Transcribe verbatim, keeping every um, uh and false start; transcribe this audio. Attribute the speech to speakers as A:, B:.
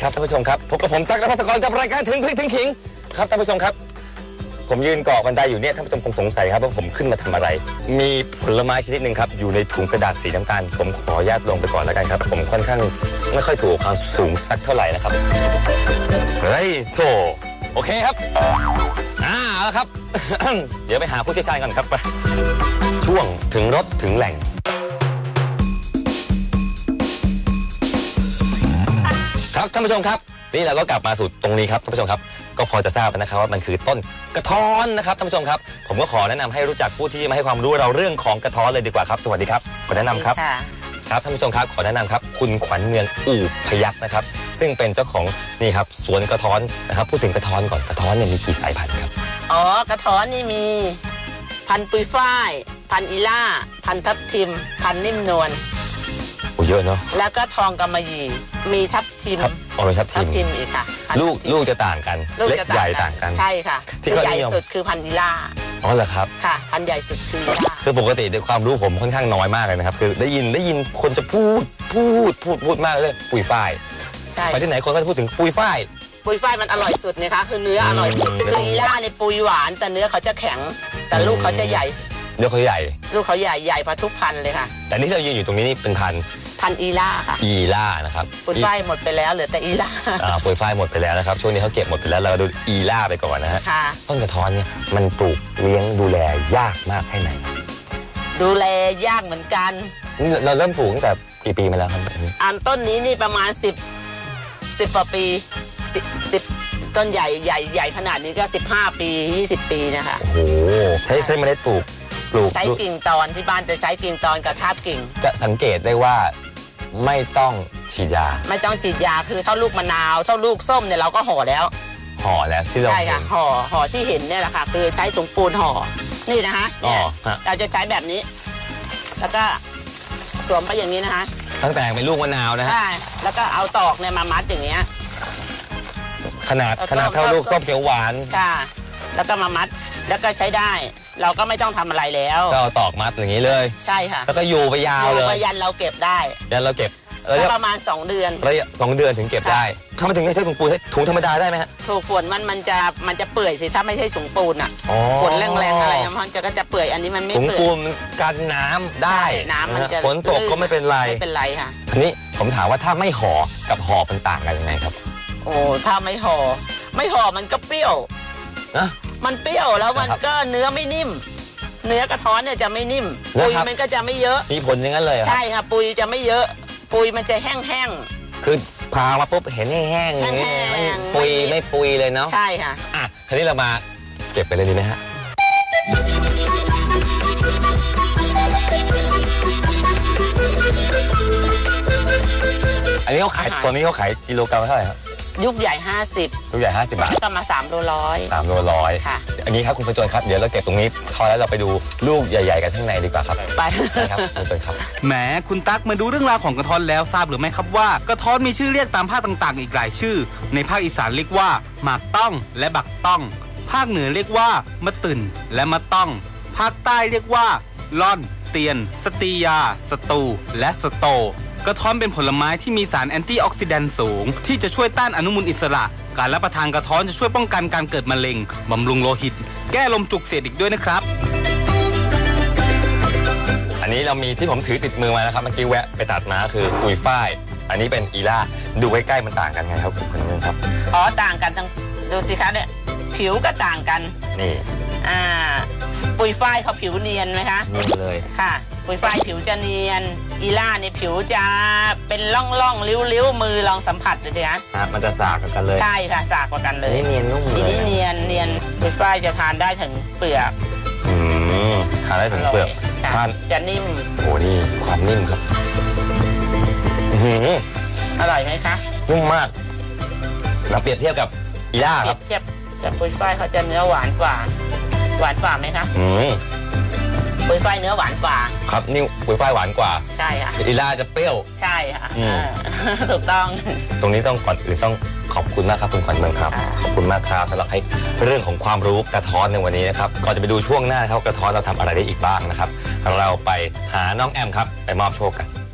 A: ครับท่านผู้ชมครับพบกับผมตั๊กนภัสกรกับรายการถึงพริกถึงขิงครับท่านผู้ชมครับผมยืนเกาะบันไดอยู่เนี่ยท่านผู้ชมคงสงสัยครับว่าผมขึ้นมาทำอะไรมีผลไม้ชนิดหนึ่งครับอยู่ในถุงกระดาษสีน้ำตาลผมขออนุญาตลงไปก่อนแล้วกันครับผมค่อนข้างไม่ค่อยถูกความสูงสักเท่าไหร่นะครับเฮ้ยโถโอเคครับอ่าแล้วครับ เดี๋ยวไปหาผู้เชี่ยวชาญก่อนครับช่วงถึงรถถึงแหล่งครับท่านผู้ชมครับนี่เราก็กลับมาสู่ตรงนี้ครับท่านผู้ชมครับก็พอจะทราบนะครับว่ามันคือต้นกระท้อนนะครับท่านผู้ชมครับผมก็ขอแนะนำให้รู้จักผู้ที่มาให้ความรู้เราเรื่องของกระท้อนเลยดีกว่าครับสวัสดีครับขอแนะนำครับครับท่านผู้ชมครับขอแนะนำครับคุณขวัญเมืองอู่พยัคฆ์นะครับซึ่งเป็นเจ้าของนี่ครับสวนกระท้อนนะครับพูดถึงกระท้อนก่อนกระท้อนเนี่ยมีกี่สายพันธุ์ครับ
B: อ๋อกระท้อนนี่มีพันธุ์ปุยฝ้ายพันธุ์อีล่าพันธุ์ทับทิมพันธุ์นิ่มนวล
A: โอ้เยอะเนาะ
B: แล้วก็ทองกำมะหยี่มีทับทิม
A: อ๋อมีทับทิม
B: ทับทิมอีกค่ะ
A: ลูกลูกจะต่างกันเล็กใหญ่ต่างกัน
B: ใช่ค่ะที่ใหญ่สุดคือพันธุ์อีล่า
A: อ๋อเหรอครับ
B: ค่ะพันธุ์ใหญ่สุดคืออีล่า
A: คือปกติในความรู้ผมค่อนข้างน้อยมากเลยนะครับคือได้ยินได้ยินคนจะพูดพูดพูดพูดมากเลยปุยฝ้าย
B: ใช่
A: ไปที่ไหนคนก็จะพูดถึงปุยฝ้าย
B: ปุยฝ้ายมันอร่อยสุดนะคะคือเนื้ออร่อยสุดคืออีล่าในปุยหวานแต่เนื้อเขาจะแข็งแต่ลูกเขาจะใหญ่
A: เนื้อเขาใหญ่
B: ลูกเขาใหญ่ใหญ่พอทุกพันเลยค่ะ
A: แต่นี่เรายืนอยู่ตรงนี้นี่เป็นพัน
B: พันอีล่าค่ะ
A: อีล่านะครับ
B: ปุยฝ้ายหมดไปแล้วเหลือแต่อีล่า
A: อ่าปุยฝ้ายหมดไปแล้วนะครับช่วงนี้เขาเก็บหมดไปแล้วเราดูอีล่าไปก่อนนะฮะต้นกระท้อนเนี่ยมันปลูกเลี้ยงดูแลยากมากแค่ไหน
B: ดูแลยากเหมือนกัน
A: เราเริ่มปลูกตั้งแต่กี่ปีมาแล้วครับ
B: อันต้นนี้นี่ประมาณสิบสิบกว่าปีสิบสิบต้นใหญ่ใหญ่ใหญ่ขนาดนี้ก็สิบห้าปียี่สิบปีนะคะ
A: โอ้โหใช้ใช้เมล็ดปลูกปลูก
B: ใช้กิ่งตอนที่บ้านจะใช้กิ่งตอนกับทาบกิ่ง
A: จะสังเกตได้ว่าไม่ต้องฉีดยา
B: ไม่ต้องฉีดยาคือเท่าลูกมะนาวเท่าลูกส้มเนี่ยเราก็ห่อแล้ว
A: ห่อแล้วที่เรา
B: ใช่ค่ะห่อห่อที่เห็นเนี่ยแหละค่ะคือใช้ถุงปูนห่อนี่นะคะเนี่ยเราจะใช้แบบนี้แล้วก็สวมไปอย่างนี้นะคะ
A: ตั้งแต่เป็นลูกมะนาวนะฮะ
B: ใช่แล้วก็เอาตอกเนี่ยมามัดอย่างเงี้ย
A: ขนาดขนาดเท่าลูกส้มเขียวหวาน
B: ค่ะแล้วก็มามัดแล้วก็ใช้ได้เราก็ไม่ต้องทำอะไรแล้ว
A: ก็ตอกมัดอย่างนี้เลย
B: ใช่ค่ะ
A: แล้วก็อยู่ไปยาวเลย
B: อยู่ไปยันเราเก็บได้
A: ยันเราเก็บ
B: แล้วประมาณสองเดือน
A: ระยะสองเดือนถึงเก็บได้ถ้ามาถึงใช้ถุงปูนถุงธรรมดาได้ไหมฮะ
B: ถูกฝนมันมันจะมันจะเปื่อยสิถ้าไม่ใช่ถุงปูนอ่ะฝนแรงๆอะไรมันจะก็จะเปื่อยอันนี้มันไม่
A: เปื่อยถุงปูนกันน้ำได้
B: น้ำมันจะ
A: ฝนตกก็ไม่เป็นไร
B: ไม่เป็นไรค่ะ
A: ทีนี้ผมถามว่าถ้าไม่ห่อกับห่อเป็นต่างกันยังไงครับ
B: โอ้ถ้าไม่ห่อไม่ห่อมันก็เปรี้ยว
A: นะ
B: มันเปรี้ยวแล้วมันก็เนื้อไม่นิ่มเนื้อกระท้อนเนี่ยจะไม่นิ่มปุยมันก็จะไม่เยอะ
A: มีผลอย่างนั้นเลย
B: ใช่ค่ะปุยจะไม่เยอะปุยมันจะแห้ง
A: ๆคือพามาปุ๊บเห็นแห้งๆอย่างนี้ปุยไม่ปุยเลยเนาะ
B: ใช่ค่ะ
A: อ่ะทีนี้เรามาเก็บไปเลยดีไหมฮะอันนี้เขาขายตัวนี้เขาขายกิโลกรัมเท่าไหร่ครับ
B: ยุคใหญ่ห้าสิบ
A: ยุคใหญ่ห้าสิบบาท
B: ก็มาสามโลร้อย
A: สามโลร้อยค่ะอันนี้ครับคุณประจวนครับเดี๋ยวเราเก็บตรงนี้พอแล้วเราไปดูลูกใหญ่ๆกันข้างในดีกว่าครับ
B: ไป
A: ครับคุณประจวนครับ
C: แหมคุณตั๊กมาดูเรื่องราวของกระท้อนแล้วทราบหรือไม่ครับว่ากระท้อนมีชื่อเรียกตามภาคต่างๆอีกหลายชื่อในภาคอีสานเรียกว่าหมากต้องและบักต้องภาคเหนือเรียกว่ามะตึนและมะต้องภาคใต้เรียกว่าล่อนเตียนสตียาสตูและสโตกระท้อนเป็นผลไม้ที่มีสารแอนตี้ออกซิแดนต์สูงที่จะช่วยต้านอนุมูลอิสระการรับประทานกระท้อนจะช่วยป้องกันการเกิดมะเร็งบำรุงโลหิตแก้ลมจุกเสียดอีกด้วยนะครับ
A: อันนี้เรามีที่ผมถือติดมือมานะครับเมื่อกี้แวะไปตัดมาคือปุยฝ้ายอันนี้เป็นอีล่าดูใกล้ๆมันต่างกันไงครับคุณนึงครับ
B: อ๋อต่างกันทั้งดูสิคะเนี่ยผิวก็ต่างกัน
A: นี่
B: อ่าปุยฝ้ายเขาผิวเนียนไหมคะ
A: เนียนเลย
B: ค่ะปุยฝ้ายผิวจะเนียนอีล่าเนี่ยผิวจะเป็นร่องร่องริ้วริ้วมือลองสัมผัสดูสิคะ
A: มันจะสากกันเลย
B: ใช่ค่ะสากกว่ากันเลย
A: นี่เนียนนุ่มเลย
B: นี่เนียนเนียนปุยฝ้ายจะทานได้ถึงเปลือก
A: อืมทานได้ถึงเปลือก
B: ทานจะนิ่ม
A: โอ้นี่ความนิ่มครับ
B: อร่อยไหมคะ
A: นุ่มมากเราเปรียบเทียบกับอีล่าครับ
B: เปรียบเทียบกับปุยฝ้ายเขาจะเนื้อหวานกว่าหวานกว่าไหมคะ
A: อืม
B: ปุยฝ้ายเนื้อหวานกว่า
A: ครับนี่ปุยฝ้ายหวานกว่า
B: ใช่ค่ะ
A: อีล่าจะเปรี้ยว
B: ใช่ค่ะถูกต้อง
A: ตรงนี้ต้องก่อนอื่นต้องขอบคุณมากครับคุณขวัญเมืองครับขอบคุณมากครับสำหรับให้เรื่องของความรู้กระท้อนในวันนี้นะครับก่อนจะไปดูช่วงหน้าครับกระท้อนเราทำอะไรได้อีกบ้างนะครับเราไปหาน้องแอมครับไปมอบโชคกัน